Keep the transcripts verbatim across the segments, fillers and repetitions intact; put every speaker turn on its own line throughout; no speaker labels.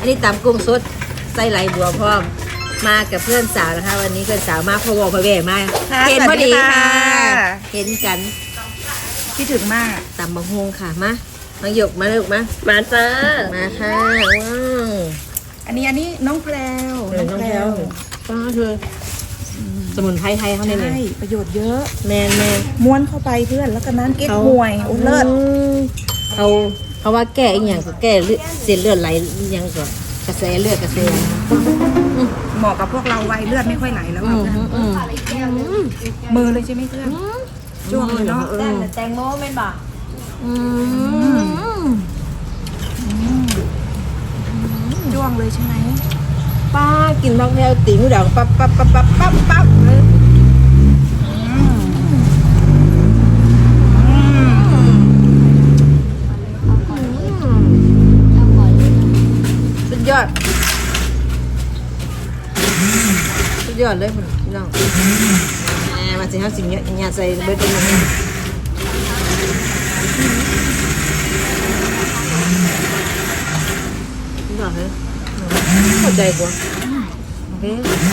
นนี้ตำกุ้งสดไส้ไหลบัวพร้อมมากับเพื่อนสาวนะคะวันนี้เพื่อนสาวมาพะวงพะแว่มาเห็นพอดีค่ะเห็นกัน
คิดถึงมาก
ตำบะฮงค่ะมาน้องหยกมาเลยมา
มาจ้า
มาค่ะว้าว
อันนี้อันนี้น้องแพรว
น้องแพรวป้าเธอสมุนไพรไทยเขาเนี่ยใช่
ประโยชน์เยอะ
แมนแมน
ม้วนเข้าไปเพื่อนแล้วก็นั้นเก๊กฮวยอุ้เลิศ
เขาเขาว่าแก้อีกอย่างก็แก้เลือดเส้นเลือดไหลยังก็กระแสเลือดกระแส
เหมาะกับพวกเราวัยเลือดไม่ค่อยไหลแล้วแบบมือเลยใช่ไหมเพื่อนจ้วงเลยเนาะ
แตงโมเป็นบ่
จ้วงเลยใช่ไหม
ป้ากินบางแพรวตีมือดังปั๊บปั๊บปั๊บปั๊บปั๊บปั๊บสุดยอดสุดยอดเลยคุณน้องแหมมาสิฮะสิ่งเนี้ยอย่าใส่เบอร์ตัวนี้สุดยอดเลยเข้าใจกว่าโอเค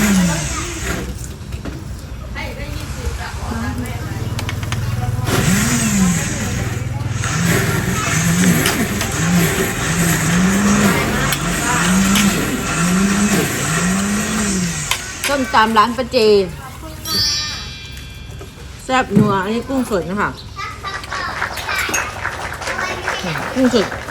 ต้มตามร้านประเจแซ่บนัวอันนี้กุ้งสดนะคะกุ้งสด